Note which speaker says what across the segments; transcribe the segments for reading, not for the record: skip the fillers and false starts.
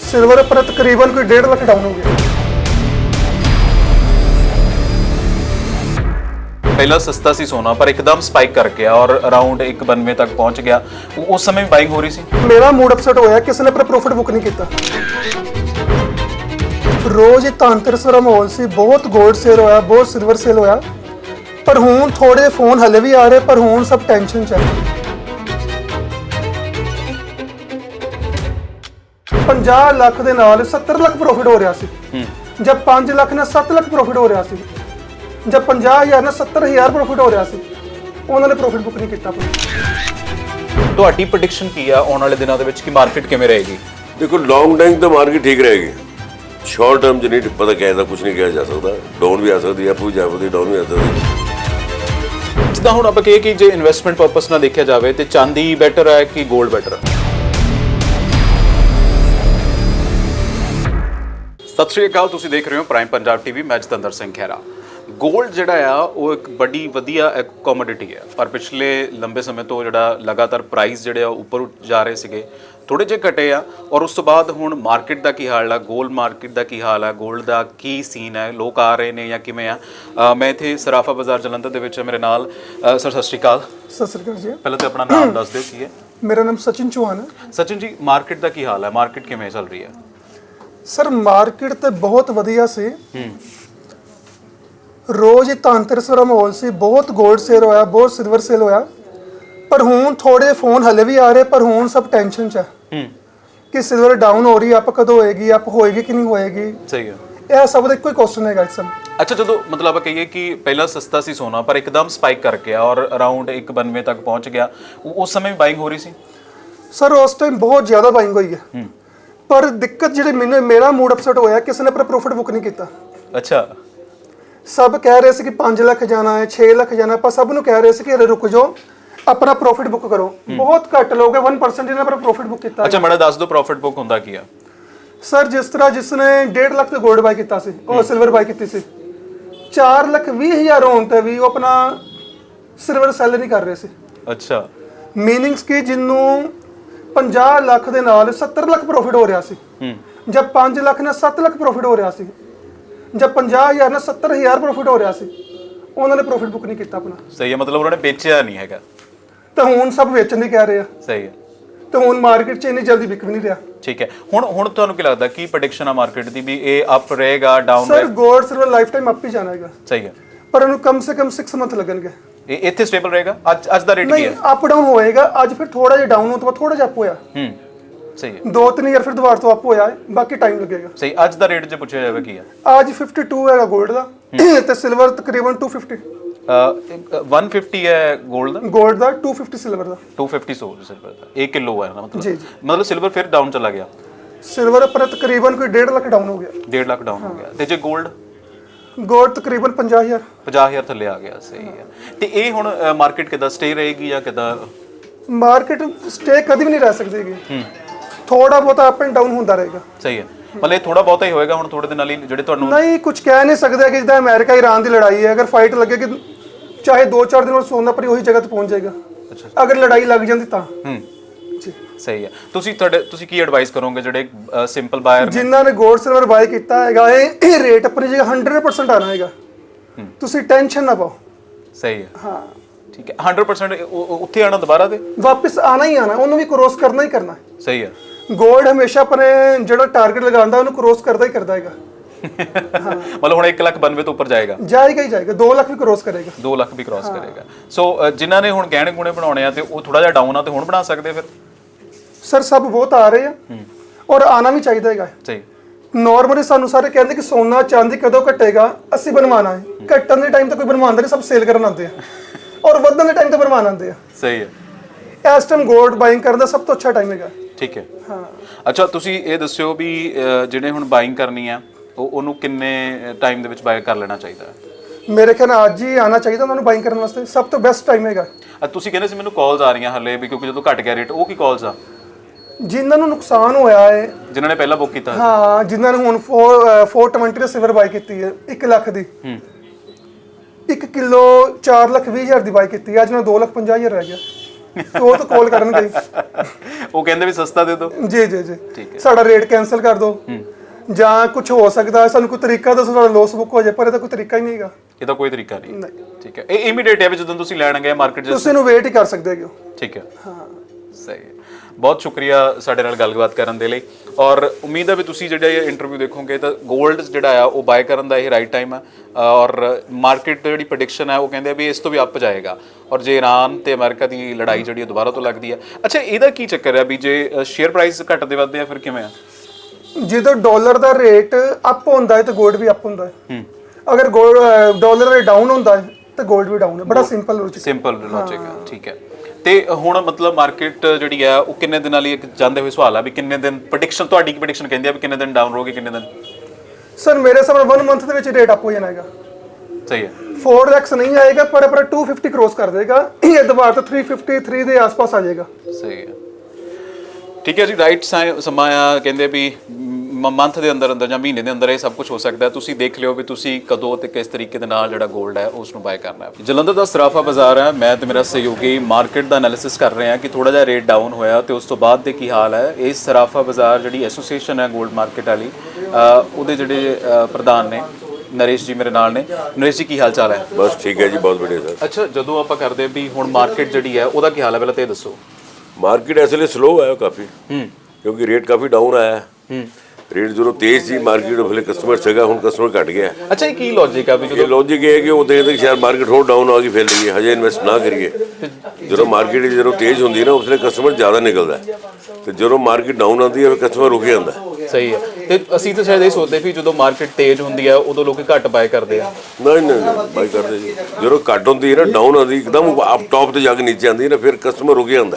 Speaker 1: Silver पर तकरीबन कोई 1.5 लाख डाउन हो गया।
Speaker 2: पहला सस्ता सी सोना पर एकदम स्पाइक कर गया और अराउंड 192 तक पहुंच गया। उस समय भी बाइंग हो रही सी।
Speaker 1: मेरा मूड अपसेट होया, किसी ने अपना प्रॉफिट बुक नहीं किया। रोज धनतेरस वाला माहौल सी, बहुत गोल्ड सेल होया, बहुत सिल्वर सेल होया, पर हुण थोड़े फोन हले भी आ रहे, पर हुण सब टेंशन च है। 50 ਲੱਖ ਦੇ ਨਾਲ 70 ਲੱਖ ਪ੍ਰੋਫਿਟ ਹੋ ਰਿਹਾ ਸੀ। ਜਦ 5 ਲੱਖ ਨਾਲ 7 ਲੱਖ ਪ੍ਰੋਫਿਟ ਹੋ ਰਿਹਾ ਸੀ, ਜਦ 50,000 ਨਾਲ 70,000 ਪ੍ਰੋਫਿਟ ਹੋ ਰਿਹਾ ਸੀ, ਉਹਨਾਂ ਨੇ ਪ੍ਰੋਫਿਟ ਬੁੱਕ ਨਹੀਂ ਕੀਤਾ ਆਪਣਾ।
Speaker 2: ਤੁਹਾਡੀ ਪ੍ਰੈਡਿਕਸ਼ਨ ਕੀ ਆ ਆਉਣ ਵਾਲੇ ਦਿਨਾਂ ਦੇ ਵਿੱਚ ਕਿ ਮਾਰਕੀਟ ਕਿਵੇਂ ਰਹੇਗੀ?
Speaker 3: देखो लॉन्ग टाइम तो मार्केट ठीक रहेगी, शॉर्ट टर्म च नहीं पता क्या कुछ नहीं किया जा सकता। डाउन भी आ सकती है, अप भी जा सकती है, डाउन भी आ सकती है।
Speaker 2: ਜਿੱਦਾਂ ਹੁਣ ਆਪਾਂ ਕਹੀਏ ਕਿ ਜੇ ਇਨਵੈਸਟਮੈਂਟ ਪਰਪਸ ਨਾਲ ਦੇਖਿਆ ਜਾਵੇ ਤੇ ਚਾਂਦੀ ਬੈਟਰ ਹੈ ਕਿ 골ਡ ਬੈਟਰ ਹੈ? ਸਤਿ ਸ਼੍ਰੀ ਅਕਾਲ, ਤੁਸੀਂ ਦੇਖ ਰਹੇ ਹੋ ਪ੍ਰਾਈਮ ਪੰਜਾਬ ਟੀਵੀ। ਮੈਂ ਜਤਿੰਦਰ ਸਿੰਘ ਖਹਿਰਾ। 골ਡ ਜਿਹੜਾ ਆ ਉਹ ਇੱਕ ਬੜੀ ਵਧੀਆ ਇੱਕ ਕਮੋਡਿਟੀ ਹੈ, ਪਰ ਪਿਛਲੇ ਲੰਬੇ ਸਮੇਂ ਤੋਂ ਜਿਹੜਾ ਲਗਾਤਾਰ ਪ੍ਰਾਈਸ ਜਿਹੜੇ ਆ ਉੱਪਰ ਜਾ ਰਹੇ ਸੀਗੇ, ਥੋੜੇ ਜਿਹੇ ਘਟੇ ਆ। ਔਰ ਉਸ ਤੋਂ ਬਾਅਦ ਹੁਣ ਮਾਰਕੀਟ ਦਾ ਕੀ ਹਾਲ ਆ, 골ਡ ਮਾਰਕੀਟ ਦਾ ਕੀ ਹਾਲ ਆ, 골ਡ ਦਾ ਕੀ ਸੀਨ ਹੈ, ਲੋਕ ਆ ਰਹੇ ਨੇ ਜਾਂ ਕਿਵੇਂ ਆ? ਮੈਂ ਇੱਥੇ ਸਰਾਫਾ ਬਾਜ਼ਾਰ ਜਲੰਧਰ ਦੇ ਵਿੱਚ ਮੇਰੇ ਨਾਲ ਸਰ ਸਤਿ ਸ਼੍ਰੀ ਅਕਾਲ।
Speaker 1: ਸਤਿ ਸ੍ਰੀ ਅਕਾਲ ਜੀ।
Speaker 2: ਪਹਿਲਾਂ ਤਾਂ ਆਪਣਾ ਨਾਮ ਦੱਸ ਦਿਓ ਕੀ ਹੈ?
Speaker 1: ਮੇਰਾ ਨਾਮ ਸਚਿਨ ਚੌਹਾਨ ਹੈ।
Speaker 2: ਸਚਿਨ ਜੀ, ਮਾਰਕੀਟ ਦਾ ਕੀ ਹਾਲ ਹੈ? ਮਾਰਕੀਟ ਕਿਵੇਂ ਚੱਲ ਰਹੀ ਹੈ?
Speaker 1: ਸਰ ਮਾਰਕੀਟ ਤੇ ਬਹੁਤ ਵਧੀਆ ਸੀ। ਰੋਜ਼ ਧਨਤੇਰਸ ਵਾਲਾ ਮਾਹੌਲ ਸੀ, ਬਹੁਤ 골ਡ ਸੇਲ ਹੋਇਆ, ਬਹੁਤ ਸਿਲਵਰ ਸੇਲ ਹੋਇਆ, ਪਰ ਹੁਣ ਥੋੜੇ ਫੋਨ ਹਲੇ ਵੀ ਆ ਰਹੇ, ਪਰ ਹੁਣ ਸਭ ਟੈਨਸ਼ਨ ਚ ਹੈ ਕਿ ਸਿਲਵਰ ਡਾਊਨ ਹੋ ਰਹੀ, ਅਪ ਕਦੋਂ ਹੋਏਗੀ, ਅਪ ਹੋਏਗੀ ਕਿ ਨਹੀਂ ਹੋਏਗੀ।
Speaker 2: ਸਹੀ ਹੈ।
Speaker 1: ਇਹ ਸਭ ਦਾ ਇੱਕੋ ਹੀ ਕੁਐਸਚਨ ਹੈਗਾ ਇਸ ਸਮੇਂ।
Speaker 2: ਅੱਛਾ, ਜਦੋਂ ਮਤਲਬ ਆਪਾਂ ਕਹੀਏ ਕਿ ਪਹਿਲਾਂ ਸਸਤਾ ਸੀ ਸੋਨਾ ਪਰ ਇੱਕਦਮ ਸਪਾਈਕ ਕਰ ਗਿਆ ਔਰ ਅਰਾਊਂਡ 192 ਤੱਕ ਪਹੁੰਚ ਗਿਆ, ਉਸ ਸਮੇਂ ਵੀ ਬਾਇੰਗ ਹੋ ਰਹੀ ਸੀ?
Speaker 1: ਸਰ ਉਸ ਟਾਈਮ ਬਹੁਤ ਜ਼ਿਆਦਾ ਬਾਇੰਗ ਹੋਈ ਹੈ, ਪਰ ਦਿੱਕਤ ਜਿਹੜੀ ਮੇਰਾ ਮੂਡ ਅਪਸੈਟ ਹੋਇਆ, ਕਿਸੇ ਨੇ ਆਪਣਾ ਪ੍ਰੋਫਿਟ ਬੁੱਕ ਨਹੀਂ ਕੀਤਾ।
Speaker 2: ਅੱਛਾ।
Speaker 1: ਸਭ ਕਹਿ ਰਹੇ ਸੀ ਕਿ 5 ਲੱਖ ਜਾਣਾ ਹੈ, 6 ਲੱਖ ਜਾਣਾ, ਆਪਾਂ ਸਭ ਨੂੰ ਕਹਿ ਰਹੇ ਸੀ ਕਿ ਰੁਕ ਜਾਓ, ਆਪਣਾ ਪ੍ਰੋਫਿਟ ਬੁੱਕ ਕਰੋ। ਬਹੁਤ ਘੱਟ ਲੋਕ ਹੈ, 1% ਜਿਹਨੇ ਆਪਣਾ ਪ੍ਰੋਫਿਟ ਬੁੱਕ ਕੀਤਾ।
Speaker 2: ਅੱਛਾ, ਮੈਨੂੰ ਦੱਸ ਦਿਓ ਪ੍ਰੋਫਿਟ ਬੁੱਕ ਹੁੰਦਾ ਕੀ ਆ?
Speaker 1: ਸਰ ਜਿਸ ਤਰ੍ਹਾਂ ਜਿਸਨੇ 1.5 ਲੱਖ ਤੇ 골ਡ ਬਾਈ ਕੀਤਾ ਸੀ, ਉਹ ਸਿਲਵਰ ਬਾਈ ਕੀਤੀ ਸੀ, 4,20,000 ਹੋਣ ਤੇ ਵੀ ਉਹ ਆਪਣਾ ਸਿਲਵਰ ਸੈਲ ਨਹੀਂ ਕਰ ਰਹੇ ਸੀ।
Speaker 2: ਅੱਛਾ।
Speaker 1: ਮੀਨਿੰਗਸ ਕਿ ਜਿਹਨੂੰ 50 ਲੱਖ ਦੇ ਨਾਲ 70 ਲੱਖ ਪ੍ਰੋਫਿਟ ਹੋ ਰਿਹਾ ਸੀ, ਜਦ 5 ਲੱਖ ਨਾਲ 7 ਲੱਖ ਪ੍ਰੋਫਿਟ ਹੋ ਰਿਹਾ ਸੀ, ਜਦ 50,000 ਨਾਲ 70,000 ਪ੍ਰੋਫਿਟ ਹੋ ਰਿਹਾ ਸੀ, ਉਹਨਾਂ ਨੇ ਪ੍ਰੋਫਿਟ ਬੁੱਕ ਨਹੀਂ ਕੀਤਾ ਆਪਣਾ।
Speaker 2: ਸਹੀ ਹੈ, ਮਤਲਬ ਉਹਨਾਂ ਨੇ ਵੇਚਿਆ ਨਹੀਂ ਹੈਗਾ।
Speaker 1: ਤਾਂ ਹੁਣ ਸਭ ਵੇਚਣ ਦੀ ਕਹਿ ਰਹੇ ਆ।
Speaker 2: ਸਹੀ ਹੈ।
Speaker 1: ਤਾਂ ਹੁਣ ਮਾਰਕੀਟ 'ਚ ਇੰਨੀ ਜਲਦੀ ਵਿਕ ਵੀ ਨਹੀਂ ਰਿਹਾ।
Speaker 2: ਠੀਕ ਹੈ। ਹੁਣ ਤੁਹਾਨੂੰ ਕੀ ਲੱਗਦਾ, ਕੀ ਪ੍ਰੈਡਿਕਸ਼ਨ ਆ ਮਾਰਕੀਟ ਦੀ ਵੀ ਇਹ ਅਪ ਰਹੇਗਾ, ਡਾਊਨ
Speaker 1: ਸਰ 골ਡ ਸਿਲਵਰ ਲਾਈਫ ਟਾਈਮ ਅਪ ਹੀ ਜਾਣਾ ਹੈਗਾ।
Speaker 2: ਸਹੀ ਹੈ,
Speaker 1: ਪਰ ਇਹਨੂੰ ਕਮ ਸੇ ਕਮ 6 ਮੰਥ ਲੱਗਣਗੇ।
Speaker 2: ਇਹ ਇੱਥੇ ਸਟੇਬਲ ਰਹੇਗਾ? ਅੱਜ ਦਾ ਰੇਟ ਕੀ
Speaker 1: ਨਹੀਂ,
Speaker 2: ਹੈ?
Speaker 1: ਅਪ ਡਾਊਨ ਹੋਏਗਾ। ਅੱਜ ਫਿਰ ਥੋੜਾ ਜਿਹਾ ਡਾਊਨ ਤੋਂ ਬਾਅਦ ਥੋੜਾ ਜਿਹਾ ਅਪ ਹੋਇਆ।
Speaker 2: ਸਹੀ ਹੈ।
Speaker 1: 2-3 ਈਅਰ ਫਿਰ ਦੁਬਾਰਾ ਤੋਂ ਅਪ ਹੋਇਆ ਹੈ, ਬਾਕੀ ਟਾਈਮ ਲੱਗੇਗਾ।
Speaker 2: ਸਹੀ। ਅੱਜ ਦਾ ਰੇਟ ਜੇ ਪੁੱਛਿਆ ਜਾਵੇ ਕੀ ਆ?
Speaker 1: ਅੱਜ 52 ਹੈਗਾ 골ਡ ਦਾ ਤੇ ਸਿਲਵਰ ਤਕਰੀਬਨ 250।
Speaker 2: 150 ਹੈ 골ਡ ਦਾ,
Speaker 1: 골ਡ ਦਾ 250 ਸਿਲਵਰ ਦਾ।
Speaker 2: 250 ਸਿਲਵਰ ਦਾ 1 ਕਿਲੋ ਹੈ ਨਾ ਮਤਲਬ?
Speaker 1: ਜੀ ਜੀ।
Speaker 2: ਮਤਲਬ ਸਿਲਵਰ ਫਿਰ ਡਾਊਨ ਚਲਾ ਗਿਆ?
Speaker 1: ਸਿਲਵਰ ਪਰ ਤਕਰੀਬਨ ਕੋਈ 1.5 ਲੱਖ ਡਾਊਨ ਹੋ ਗਿਆ।
Speaker 2: 1.5 ਲੱਖ ਡਾਊਨ ਹੋ ਗਿਆ। ਤੇ ਜੇ 골ਡ?
Speaker 1: 골ਡ ਤਕਰੀਬਨ 50,000।
Speaker 2: 50,000 ਥੱਲੇ ਆ ਗਿਆ। ਸਹੀ ਹੈ। ਤੇ ਇਹ ਹੁਣ ਮਾਰਕੀਟ ਕਿੱਦਾਂ ਸਟੇ ਰਹੇਗੀ ਜਾਂ ਕਿੱਦਾਂ?
Speaker 1: ਮਾਰਕੀਟ ਸਟੇ ਕਦੀ ਵੀ ਨਹੀਂ ਰਹਿ ਸਕਦੀ ਹੈਗੀ, ਥੋੜਾ ਬਹੁਤਾ ਅਪ ਐਂਡ ਡਾਊਨ ਹੁੰਦਾ ਰਹੇਗਾ।
Speaker 2: ਸਹੀ ਹੈ। ਮਤਲਬ ਇਹ ਥੋੜਾ ਬਹੁਤਾ ਹੀ ਹੋਏਗਾ ਹੁਣ ਥੋੜੇ ਦਿਨਾਂ ਲਈ ਜਿਹੜੇ ਤੁਹਾਨੂੰ?
Speaker 1: ਨਹੀਂ, ਕੁਝ ਕਹਿ ਨਹੀਂ ਸਕਦੇ ਕਿ ਜਿੱਦਾਂ ਅਮਰੀਕਾ ਈਰਾਨ ਦੀ ਲੜਾਈ ਹੈ, ਅਗਰ ਫਾਈਟ ਲੱਗੇਗੀ ਚਾਹੇ 2-4 ਦਿਨ ਬਾਅਦ ਸੋਨਾ ਪਰ ਉਹੀ ਜਗ੍ਹਾ ਤੇ ਪਹੁੰਚ ਜਾਏਗਾ। ਅਗਰ ਲੜਾਈ ਲੱਗ ਜਾਂਦੀ ਤਾਂ। ਜੀ
Speaker 2: ਸਹੀ ਹੈ। ਤੁਸੀਂ ਕੀ ਐਡਵਾਈਸ ਕਰੋਗੇ ਜਿਹੜੇ ਸਿੰਪਲ ਬਾਇਰ
Speaker 1: ਜਿਨ੍ਹਾਂ ਨੇ 골ਡ ਸਿਲਵਰ ਬਾਈ ਕੀਤਾ ਹੈਗਾ, ਇਹ ਰੇਟ ਆਪਣੀ ਜਗ੍ਹਾ 100% ਆਣਾ ਹੈਗਾ, ਤੁਸੀਂ ਟੈਨਸ਼ਨ ਨਾ ਪਾਓ।
Speaker 2: ਸਹੀ ਹੈ।
Speaker 1: ਹਾਂ
Speaker 2: ਠੀਕ ਹੈ। 100% ਉੱਥੇ ਆਣਾ ਦੁਬਾਰਾ ਤੇ
Speaker 1: ਵਾਪਸ ਆਣਾ ਹੀ ਆਣਾ, ਉਹਨੂੰ ਵੀ ਕ੍ਰੋਸ ਕਰਨਾ ਹੀ ਕਰਨਾ।
Speaker 2: ਸਹੀ ਹੈ।
Speaker 1: 골ਡ ਹਮੇਸ਼ਾ ਆਪਣੇ ਜਿਹੜਾ ਟਾਰਗੇਟ ਲਗਾਉਂਦਾ ਉਹਨੂੰ ਕ੍ਰੋਸ ਕਰਦਾ ਹੀ ਕਰਦਾ ਹੈਗਾ।
Speaker 2: ਮਤਲਬ ਹੁਣ 1,92 ਤੋਂ ਉੱਪਰ ਜਾਏਗਾ?
Speaker 1: ਜਾਏਗਾ ਹੀ ਜਾਏਗਾ, 2 ਲੱਖ ਵੀ ਕ੍ਰੋਸ ਕਰੇਗਾ।
Speaker 2: 2 ਲੱਖ ਵੀ ਕ੍ਰੋਸ ਕਰੇਗਾ। ਸੋ ਜਿਨ੍ਹਾਂ ਨੇ ਹੁਣ ਗਹਿਣੇ ਗੁਣੇ ਬਣਾਉਣੇ ਆ ਤੇ ਉਹ ਥੋੜਾ ਜਿਹਾ ਡਾਊਨ ਆ ਤੇ ਹੁਣ ਬਣਾ ਸਕਦੇ ਫਿਰ?
Speaker 1: ਸਰ ਸਭ ਬਹੁਤ ਆ ਰਹੇ ਆ ਔਰ ਆਣਾ ਵੀ ਚਾਹੀਦਾ ਹੈਗਾ।
Speaker 2: ਸਹੀ।
Speaker 1: ਨਾਰਮਲੀ ਸਾਨੂੰ ਸਾਰੇ ਕਹਿੰਦੇ ਕਿ ਸੋਨਾ ਚਾਂਦੀ ਕਦੋਂ ਘਟੇਗਾ, ਅਸੀਂ ਬਣਵਾਣਾ ਹੈ। ਘਟਣ ਦੇ ਟਾਈਮ ਤੇ ਕੋਈ ਬਣਵਾਉਂਦਾ ਨਹੀਂ, ਸਭ ਸੇਲ ਕਰਨ ਆਉਂਦੇ ਆ, ਔਰ ਵਧਣ ਦੇ ਟਾਈਮ ਤੇ ਬਣਵਾਉਣ ਆਉਂਦੇ ਆ।
Speaker 2: ਸਹੀ ਹੈ।
Speaker 1: ਇਸ ਟਾਈਮ 골ਡ ਬਾਇੰਗ ਕਰਨ ਦਾ ਸਭ ਤੋਂ ਅੱਛਾ ਟਾਈਮ ਹੈਗਾ।
Speaker 2: ਠੀਕ ਹੈ।
Speaker 1: ਹਾਂ।
Speaker 2: ਅੱਛਾ, ਤੁਸੀਂ ਇਹ ਦੱਸਿਓ ਵੀ ਜਿਹੜੇ ਹੁਣ ਬਾਇੰਗ ਕਰਨੀ ਆ ਉਹਨੂੰ ਕਿੰਨੇ ਟਾਈਮ ਦੇ ਵਿੱਚ ਬਾਈ ਕਰ ਲੈਣਾ ਚਾਹੀਦਾ ਹੈ?
Speaker 1: ਮੇਰੇ ਖਿਆਲ ਨਾਲ ਅੱਜ ਹੀ ਆਣਾ ਚਾਹੀਦਾ ਉਹਨਾਂ ਨੂੰ ਬਾਇੰਗ ਕਰਨ ਵਾਸਤੇ, ਸਭ ਤੋਂ ਬੈਸਟ ਟਾਈਮ ਹੈਗਾ।
Speaker 2: ਤੁਸੀਂ ਕਹਿੰਦੇ ਸੀ ਮੈਨੂੰ ਕਾਲਸ ਆ ਰਹੀਆਂ ਹਲੇ ਵੀ ਕਿਉਂਕਿ ਜਦੋਂ ਘਟ ਗਿਆ ਰੇਟ, ਉਹ ਕੀ ਕਾਲਸ ਆ?
Speaker 1: ਜਿਨ੍ਹਾਂ ਨੂੰ ਨੁਕਸਾਨ ਹੋਇਆ ਹੈ,
Speaker 2: ਜਿਨ੍ਹਾਂ ਨੇ ਪਹਿਲਾਂ ਬੁੱਕ ਕੀਤਾ?
Speaker 1: ਹਾਂ, ਜਿਨ੍ਹਾਂ ਨੇ ਹੁਣ 420 ਦੀ ਸਿਲਵਰ ਬਾਈ ਕੀਤੀ ਹੈ 1 ਲੱਖ ਦੀ, 1 ਕਿਲੋ 4,20,000 ਦੀ ਬਾਈ ਕੀਤੀ, ਅੱਜ ਨਾਲ 2,50,000 ਰਹਿ ਗਿਆ। ਉਹ ਤਾਂ ਕਾਲ ਕਰਨਗੇ ਹੀ।
Speaker 2: ਉਹ ਕਹਿੰਦੇ ਵੀ ਸਸਤਾ ਦੇ ਦਿਓ।
Speaker 1: ਜੀ ਜੀ ਜੀ, ਸਾਡਾ ਰੇਟ ਕੈਨਸਲ ਕਰ ਦਿਓ ਜਾਂ ਕੁਝ ਹੋ ਸਕਦਾ, ਸਾਨੂੰ ਕੋਈ ਤਰੀਕਾ ਦੱਸੋ ਸਾਡਾ ਲੋਸ ਬੁੱਕ ਹੋ ਜਾਏ, ਪਰ ਇਹਦਾ ਕੋਈ ਤਰੀਕਾ ਹੀ ਨਹੀਂ ਹੈਗਾ।
Speaker 2: ਇਹਦਾ ਕੋਈ ਤਰੀਕਾ ਨਹੀਂ। ਠੀਕ ਹੈ, ਇਹ ਇਮੀਡੀਏਟ ਹੈ ਵੀ ਜਦੋਂ ਤੁਸੀਂ ਲੈਣ ਗਏ ਮਾਰਕੀਟ 'ਚ
Speaker 1: ਤੁਸੀਂ ਇਹਨੂੰ ਵੇਟ ਹੀ ਕਰ ਸਕਦੇ ਹੋ।
Speaker 2: ਠੀਕ ਹੈ, ਹਾਂ ਸਹੀ ਹੈ। ਬਹੁਤ ਸ਼ੁਕਰੀਆ ਸਾਡੇ ਨਾਲ ਗੱਲਬਾਤ ਕਰਨ ਦੇ ਲਈ, ਔਰ ਉਮੀਦ ਹੈ ਵੀ ਤੁਸੀਂ ਜਿਹੜਾ ਇਹ ਇੰਟਰਵਿਊ ਦੇਖੋਗੇ ਤਾਂ 골ਡ ਜਿਹੜਾ ਆ ਉਹ ਬਾਏ ਕਰਨ ਦਾ ਇਹ ਰਾਈਟ ਟਾਈਮ ਹੈ। ਔਰ ਮਾਰਕੀਟ ਜਿਹੜੀ ਪ੍ਰੈਡਿਕਸ਼ਨ ਹੈ ਉਹ ਕਹਿੰਦੇ ਆ ਵੀ ਇਸ ਤੋਂ ਵੀ ਅੱਪ ਜਾਏਗਾ, ਔਰ ਜੇ ਇਰਾਨ ਤੇ ਅਮਰੀਕਾ ਦੀ ਲੜਾਈ ਜਿਹੜੀ ਦੁਬਾਰਾ ਤੋਂ ਲੱਗਦੀ ਹੈ। ਅੱਛਾ, ਇਹਦਾ ਕੀ ਚੱਕਰ ਹੈ ਵੀ ਜੇ ਸ਼ੇਅਰ ਪ੍ਰਾਈਸ ਘਟਦੇ ਵੱਧਦੇ ਆ ਫਿਰ ਕਿਵੇਂ ਆ?
Speaker 1: ਜਦੋਂ ਡਾਲਰ ਦਾ ਰੇਟ ਅਪ ਹੁੰਦਾ ਹੈ ਤਾਂ 골ਡ ਵੀ ਅਪ ਹੁੰਦਾ ਹੈ। ਅਗਰ ਡਾਲਰ ਰੇਟ ਡਾਊਨ ਹੁੰਦਾ ਹੈ ਤਾਂ 골ਡ ਵੀ ਡਾਊਨ ਹੈ। ਬੜਾ ਸਿੰਪਲ ਲੌਜੀਕ
Speaker 2: ਹੈ। ਠੀਕ ਹੈ, ਤੇ ਹੁਣ ਮਤਲਬ ਮਾਰਕੀਟ ਜਿਹੜੀ ਆ ਉਹ ਕਿੰਨੇ ਦਿਨਾਂ ਲਈ, ਇੱਕ ਜਾਂਦੇ ਹੋਏ ਸਵਾਲ ਆ ਵੀ ਕਿੰਨੇ ਦਿਨ ਪ੍ਰੈਡਿਕਸ਼ਨ, ਤੁਹਾਡੀ ਕੀ ਪ੍ਰੈਡਿਕਸ਼ਨ ਕਹਿੰਦੀ ਆ ਵੀ ਕਿੰਨੇ ਦਿਨ ਡਾਊਨ ਰਹੋਗੇ, ਕਿੰਨੇ ਦਿਨ?
Speaker 1: ਸਰ ਮੇਰੇ ਹਿਸਾਬ ਨਾਲ 1 ਮੰਥ ਦੇ ਵਿੱਚ ਰੇਟ ਅਪ ਹੋ ਜਾਣਾ ਹੈਗਾ।
Speaker 2: ਸਹੀ ਹੈ,
Speaker 1: 4x ਨਹੀਂ ਆਏਗਾ ਪਰ 250 ਕ੍ਰੋਸ ਕਰ ਦੇਗਾ, ਇਹ ਦੁਬਾਰਾ ਤੋਂ 353 ਦੇ ਆਸ-ਪਾਸ ਆ ਜਾਏਗਾ।
Speaker 2: ਸਹੀ ਹੈ, ਠੀਕ ਹੈ ਜੀ। ਰਾਈਟ ਸਮਾਂ ਆ, ਕਹਿੰਦੇ ਵੀ ਮੰਥ ਦੇ ਅੰਦਰ ਅੰਦਰ ਜਾਂ ਮਹੀਨੇ ਦੇ ਅੰਦਰ ਇਹ ਸਭ ਕੁਝ ਹੋ ਸਕਦਾ ਹੈ। ਤੁਸੀਂ ਦੇਖ ਲਿਓ ਵੀ ਤੁਸੀਂ ਕਦੋਂ ਤੇ ਕਿਸ ਤਰੀਕੇ ਦੇ ਨਾਲ ਜਿਹੜਾ 골ਡ ਹੈ ਉਸ ਨੂੰ ਬਾਏ ਕਰਨਾ ਹੈ। ਜਲੰਧਰ ਦਾ ਸਰਾਫਾ ਬਾਜ਼ਾਰ ਹੈ, ਮੈਂ ਤੇ ਮੇਰਾ ਸਹਿਯੋਗੀ ਮਾਰਕੀਟ ਦਾ ਐਨਾਲਿਸਿਸ ਕਰ ਰਹੇ ਹਾਂ ਕਿ ਥੋੜਾ ਜਿਹਾ ਰੇਟ ਡਾਊਨ ਹੋਇਆ ਤੇ ਉਸ ਤੋਂ ਬਾਅਦ ਦੇ ਕੀ ਹਾਲ ਹੈ। ਇਸ ਸਰਾਫਾ ਬਾਜ਼ਾਰ ਜਿਹੜੀ ਐਸੋਸੀਏਸ਼ਨ ਹੈ 골ਡ ਮਾਰਕੀਟ ਵਾਲੀ, ਉਹਦੇ ਜਿਹੜੇ ਪ੍ਰਧਾਨ ਨੇ ਨਰੇਸ਼ ਜੀ ਮੇਰੇ ਨਾਲ ਨੇ। ਨਰੇਸ਼ ਜੀ ਕੀ ਹਾਲ ਚਾਲ ਹੈ?
Speaker 3: ਬਸ ਠੀਕ ਹੈ ਜੀ, ਬਹੁਤ ਵਧੀਆ ਸਰ।
Speaker 2: ਅੱਛਾ, ਜਦੋਂ ਆਪਾਂ ਕਰਦੇ ਵੀ ਹੁਣ ਮਾਰਕੀਟ ਜਿਹੜੀ ਹੈ ਉਹਦਾ ਕੀ ਹਾਲ ਹੈ ਪਹਿਲਾਂ ਤੇ ਦੱਸੋ।
Speaker 3: ਮਾਰਕੀਟ ਇਸ ਵੇਲੇ ਸਲੋ ਹੈ ਕਾਫੀ, ਕਿਉਂਕਿ ਰੇਟ ਕਾਫੀ ਡਾਊਨ ਆਇਆ ਹੈ। ਰੇਟ ਜਦੋਂ ਤੇਜ਼ ਸੀ ਮਾਰਕੀਟ ਉਹਲੇ ਕਸਟਮਰ ਸੀਗਾ, ਹੁਣ ਕਸਟਮਰ ਘਟ ਗਿਆ।
Speaker 2: ਅੱਛਾ, ਇਹ ਕੀ ਲੌਜੀਕ ਆ ਵੀ
Speaker 3: ਇਹ ਲੌਜਿਕ ਇਹ ਹੈ ਕਿ ਉਹ ਦੇਖਦੇ ਕਿ ਸ਼ਾਇਦ ਮਾਰਕੀਟ ਹੋਰ ਡਾਊਨ ਆ ਗਈ, ਫਿਰ ਲਈਏ, ਹਜੇ ਇਨਵੈਸਟ ਨਾ ਕਰੀਏ। ਜਦੋਂ ਮਾਰਕੀਟ ਜਦੋਂ ਤੇਜ਼ ਹੁੰਦੀ ਨਾ ਉਸਲੇ ਕਸਟਮਰ ਜ਼ਿਆਦਾ ਨਿਕਲਦਾ, ਤੇ ਜਦੋਂ ਮਾਰਕੀਟ ਡਾਊਨ ਆਉਂਦੀ ਹੈ ਕਸਟਮਰ ਰੁਕ ਜਾਂਦਾ।
Speaker 2: ਸਹੀ ਹੈ, ਤੇ ਅਸੀਂ ਤਾਂ ਸ਼ਾਇਦ ਇਹ ਸੋਚਦੇ ਵੀ ਜਦੋਂ ਮਾਰਕੀਟ ਤੇਜ਼ ਹੁੰਦੀ ਹੈ ਉਦੋਂ ਲੋਕ ਘੱਟ ਬਾਏ ਕਰਦੇ ਆ।
Speaker 3: ਨਹੀਂ ਬਾਈ ਕਰਦੇ ਜੀ, ਜਦੋਂ ਘੱਟ ਹੁੰਦੀ ਹੈ ਨਾ, ਡਾਊਨ ਆਉਂਦੀ ਇੱਕਦਮ ਆਪ ਟੌਪ ਤੇ ਜਾ ਕੇ ਨੀਚੇ ਆਉਂਦੀ ਹੈ ਨਾ, ਫਿਰ ਕਸਟਮਰ ਰੁਕ ਜਾਂਦਾ।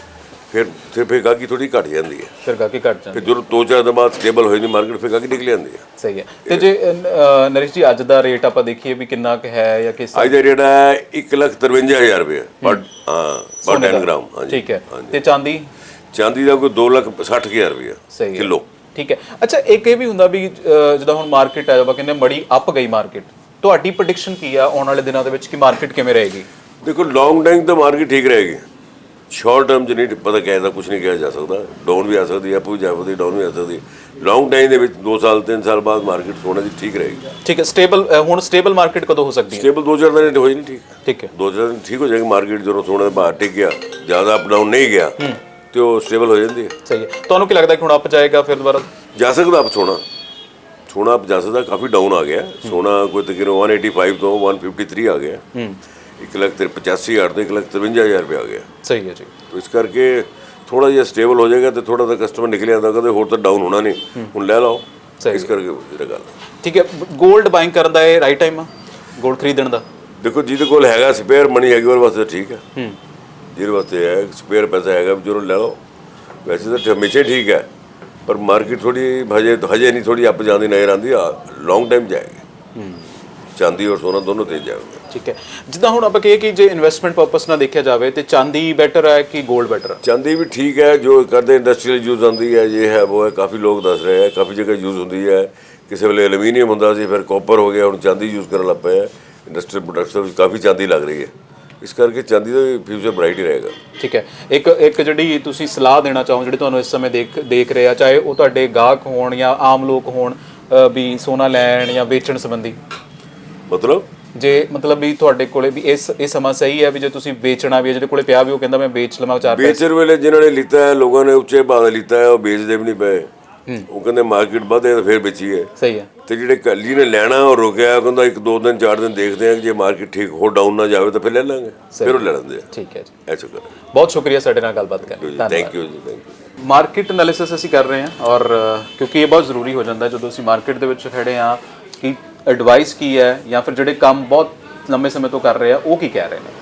Speaker 3: ਫਿਰ ਗਾਹਕੀ ਥੋੜੀ ਘਟ ਜਾਂਦੀ ਹੈ,
Speaker 2: ਫਿਰ ਗਾਹਕੀ ਘਟ ਜਾਂਦੀ।
Speaker 3: ਫਿਰ ਜਦੋਂ 2-4 ਦਿਨ ਬਾਅਦ ਸਟੇਬਲ ਹੋ ਜਾਂਦੀ ਮਾਰਕੀਟ, ਫਿਰ ਗਾਹਕੀ ਨਿਕਲ ਜਾਂਦੀ ਹੈ।
Speaker 2: ਸਹੀ ਹੈ, ਤੇ ਜੇ ਨਰੇਸ਼ ਜੀ ਅੱਜ ਦਾ ਰੇਟ ਆਪਾਂ ਦੇਖੀਏ ਵੀ ਕਿੰਨਾ ਕੁ ਹੈ ਜਾਂ ਕਿਸ?
Speaker 3: ਅੱਜ ਦਾ ਰੇਟ ਹੈ 1,53,000 ਰੁਪਏ ਪਰ 10 ਗ੍ਰਾਮ। ਹਾਂਜੀ,
Speaker 2: ਠੀਕ ਹੈ। ਤੇ ਚਾਂਦੀ?
Speaker 3: ਚਾਂਦੀ ਦਾ ਕੋਈ 2,60,000 ਰੁਪਏ ਕਿਲੋ।
Speaker 2: ਠੀਕ ਹੈ। ਅੱਛਾ, ਇੱਕ ਇਹ ਵੀ ਹੁੰਦਾ ਵੀ ਜਦੋਂ ਹੁਣ ਮਾਰਕੀਟ ਹੈ ਆਪਾਂ ਕਹਿੰਦੇ ਬੜੀ ਅਪ ਗਈ ਮਾਰਕੀਟ, ਤੁਹਾਡੀ ਪ੍ਰੈਡਿਕਸ਼ਨ ਕੀ ਆ ਆਉਣ ਵਾਲੇ ਦਿਨਾਂ ਦੇ ਵਿੱਚ ਕਿ ਮਾਰਕੀਟ ਕਿਵੇਂ ਰਹੇਗੀ?
Speaker 3: ਦੇਖੋ, ਲੌਂਗ ਟਾਈਮ ਤਾਂ ਮਾਰਕੀਟ ਠੀਕ ਰਹੇਗੀ, ਸ਼ਾਰਟ ਟਰਮ 'ਚ ਨਹੀਂ ਪਤਾ ਕਿਹਾ ਕੁਝ ਨਹੀਂ ਕਿਹਾ ਜਾ ਸਕਦਾ। ਡਾਊਨ ਵੀ ਆ ਸਕਦੀ ਹੈ, ਅਪ ਵੀ ਜਾ ਸਕਦੀ, ਡਾਊਨ ਵੀ ਆ ਸਕਦੀ। ਲੌਂਗ ਟਾਈਮ ਦੇ ਵਿੱਚ 2 ਸਾਲ 3 ਸਾਲ ਬਾਅਦ ਮਾਰਕੀਟ ਸੋਨੇ ਦੀ ਠੀਕ ਰਹੇਗੀ।
Speaker 2: ਠੀਕ ਹੈ, ਸਟੇਬਲ ਹੁਣ ਸਟੇਬਲ ਮਾਰਕੀਟ ਕਦੋਂ ਹੋ ਸਕਦੀ ਹੈ?
Speaker 3: ਸਟੇਬਲ 2-4 ਦਿਨ ਹੋ ਜਾਣੀ।
Speaker 2: ਠੀਕ ਹੈ,
Speaker 3: 2-4 ਦਿਨ ਠੀਕ ਹੋ ਜਾਏਗੀ ਮਾਰਕੀਟ। ਜਦੋਂ ਸੋਨੇ ਦਾ ਭਾਅ ਟਿਕ ਗਿਆ, ਜ਼ਿਆਦਾ ਅਪ ਡਾਊਨ ਨਹੀਂ ਗਿਆ, ਤੇ ਉਹ ਸਟੇਬਲ ਹੋ ਜਾਂਦੀ ਹੈ।
Speaker 2: ਸਹੀ ਹੈ, ਤੁਹਾਨੂੰ ਕੀ ਲੱਗਦਾ ਕਿ ਹੁਣ ਅਪ ਜਾਏਗਾ ਫਿਰ ਦੁਬਾਰਾ?
Speaker 3: ਜਾ ਸਕਦਾ ਅਪ ਸੋਨਾ ਅਪ ਜਾ ਸਕਦਾ। ਕਾਫੀ ਡਾਊਨ ਆ ਗਿਆ ਸੋਨਾ, ਕੋਈ ਤਕਰੀਬਨ 185 ਤੋਂ 153 ਆ ਗਿਆ। 1,85,000 ਤੋਂ 1,53,000 ਰੁਪਏ ਆ ਗਿਆ।
Speaker 2: ਸਹੀ ਹੈ ਜੀ।
Speaker 3: ਇਸ ਕਰਕੇ ਥੋੜਾ ਜਿਹਾ ਸਟੇਬਲ ਹੋ ਜਾਏਗਾ ਤੇ ਥੋੜਾ ਤਾਂ ਕਸਟਮਰ ਨਿਕਲ ਜਾਂਦਾ, ਕਹਿੰਦੇ ਹੋਰ ਤਾਂ ਡਾਊਨ ਹੋਣਾ ਨਹੀਂ, ਹੁਣ ਲੈ ਲਓ। ਇਸ ਕਰਕੇ ਜਿਹੜਾ ਗੱਲ।
Speaker 2: ਠੀਕ ਹੈ, 골ਡ ਬਾਇੰਗ ਕਰਨ ਦਾ ਇਹ ਰਾਈਟ ਟਾਈਮ ਆ 골ਡ ਖਰੀਦਣ ਦਾ?
Speaker 3: ਦੇਖੋ, ਜਿਹਦੇ ਕੋਲ ਹੈਗਾ ਸਪੇਅਰ ਮਨੀ ਹੈਗੀ ਉਹਦੇ ਵਾਸਤੇ ਠੀਕ ਹੈ। ਜਿਹਦੇ ਵਾਸਤੇ ਹੈ ਸਪੇਅਰ ਪੈਸਾ ਹੈਗਾ ਜਦੋਂ ਲੈ ਲਓ। ਵੈਸੇ ਤਾਂ ਹਮੇਸ਼ਾ ਠੀਕ ਹੈ, ਪਰ ਮਾਰਕੀਟ ਥੋੜੀ ਹਜੇ ਨਹੀਂ, ਥੋੜੀ ਅਪ ਜਾਂਦੀ ਨਜ਼ਰ ਆਉਂਦੀ ਆ। ਲੌਂਗ ਟਾਈਮ ਜਾਏਗੀ, ਚਾਂਦੀ ਔਰ ਸੋਨਾ ਦੋਨੋਂ ਤੇਜ਼ ਜਾਏਗਾ।
Speaker 2: ਠੀਕ ਹੈ, ਜਿੱਦਾਂ ਹੁਣ ਆਪਾਂ ਕਹੀਏ ਕਿ ਜੇ ਇਨਵੈਸਟਮੈਂਟ ਪਰਪਸ ਨਾਲ ਦੇਖਿਆ ਜਾਵੇ ਤੇ ਚਾਂਦੀ ਬੈਟਰ ਹੈ ਕਿ 골ਡ ਬੈਟਰ ਹੈ?
Speaker 3: ਚਾਂਦੀ ਵੀ ਠੀਕ ਹੈ, ਜੋ ਕਰਦੇ ਇੰਡਸਟਰੀਅਲ ਯੂਜ਼ ਆਉਂਦੀ ਹੈ, ਇਹ ਹੈ ਉਹ ਹੈ। ਕਾਫੀ ਲੋਕ ਦੱਸ ਰਹੇ ਹੈ ਕਾਫੀ ਜਗ੍ਹਾ ਯੂਜ਼ ਹੁੰਦੀ ਹੈ। ਕਿਸੇ ਵੇਲੇ ਐਲੂਮੀਨੀਅਮ ਹੁੰਦਾ ਸੀ, ਫਿਰ ਕਾਪਰ ਹੋ ਗਿਆ, ਹੁਣ ਚਾਂਦੀ ਯੂਜ਼ ਕਰਨ ਲੱਗ ਪਏ ਹੈ। ਇੰਡਸਟਰੀਅਲ ਪ੍ਰੋਡਕਟਸ ਵਿੱਚ ਕਾਫੀ ਚਾਂਦੀ ਲੱਗ ਰਹੀ ਹੈ, ਇਸ ਕਰਕੇ ਚਾਂਦੀ ਦਾ ਫਿਊਚਰ ਬ੍ਰਾਈਟ ਹੀ ਰਹੇਗਾ।
Speaker 2: ਠੀਕ ਹੈ, ਇੱਕ ਜਿਹੜੀ ਤੁਸੀਂ ਸਲਾਹ ਦੇਣਾ ਚਾਹੋ ਜਿਹੜੇ ਤੁਹਾਨੂੰ ਇਸ ਸਮੇਂ ਦੇਖ ਰਹੇ ਆ, ਚਾਹੇ ਉਹ ਤੁਹਾਡੇ ਗਾਹਕ ਹੋਣ ਜਾਂ ਆਮ ਲੋਕ ਹੋਣ, ਵੀ ਸੋਨਾ ਲੈਣ ਜਾਂ ਵੇਚਣ ਸੰਬੰਧੀ? ਮਤਲਬ ਵੀ ਤੁਹਾਡੇ ਕੋਲੇ ਵੀ ਇਹ ਸਮਾਂ ਸਹੀ ਹੈ ਵੀ ਜੇ ਤੁਸੀਂ ਵੇਚਣਾ ਵੀ, ਜਿਹੜੇ ਕੋਲੇ ਪਿਆ ਵੀ ਉਹ ਕਹਿੰਦਾ ਮੈਂ ਵੇਚ ਲਵਾਂ 4 ਪੈਸੇ?
Speaker 3: ਵੇਚਣ ਵੇਲੇ ਜਿਨ੍ਹਾਂ ਨੇ ਲਿੱਤਾ ਹੈ, ਲੋਕਾਂ ਨੇ ਉੱਚੇ ਭਾਅ ਲਿੱਤਾ ਹੈ, ਉਹ ਵੇਚਦੇ ਵੀ ਨਹੀਂ ਪਏ। ਉਹ ਕਹਿੰਦੇ ਮਾਰਕੀਟ ਵਧੇ ਤਾਂ ਫਿਰ ਵੇਚੀਏ। ਸਹੀ ਹੈ। ਤੇ ਜਿਹੜੇ ਕੱਲੀ ਨੇ ਲੈਣਾ ਉਹ ਰੁਕਿਆ, ਕਹਿੰਦਾ 1-2 ਦਿਨ 4 ਦਿਨ ਦੇਖਦੇ ਆ, ਜੇ ਮਾਰਕੀਟ ਠੀਕ ਹੋ ਡਾਊਨ ਨਾ ਜਾਵੇ ਤਾਂ ਫਿਰ ਲੈ ਲਾਂਗੇ, ਫਿਰ ਉਹ ਲੈ ਲੈਂਦੇ ਆ।
Speaker 2: ਠੀਕ ਹੈ ਜੀ,
Speaker 3: ਐਸਾ ਕਰ।
Speaker 2: ਬਹੁਤ ਸ਼ੁਕਰੀਆ ਸਾਡੇ ਨਾਲ ਗੱਲਬਾਤ ਕਰਨ ਲਈ।
Speaker 3: Thank you ji, thank you.
Speaker 2: Market analysis ਅਸੀਂ ਕਰ ਰਹੇ ਹਾਂ, ਔਰ ਕਿਉਂਕਿ ਇਹ ਬਹੁਤ ਜ਼ਰੂਰੀ ਹੋ ਜਾਂਦਾ ਜਦੋਂ ਅਸੀਂ ਮਾਰਕੀਟ ਦੇ ਵਿੱਚ ਖੜੇ ਹਾਂ ਕਿ ਐਡਵਾਈਸ ਕੀ ਹੈ ਜਾਂ ਫਿਰ ਜਿਹੜੇ ਕੰਮ ਬਹੁਤ ਲੰਬੇ ਸਮੇਂ ਤੋਂ ਕਰ ਰਹੇ ਆ ਉਹ ਕੀ ਕਹਿ ਰਹੇ ਨੇ।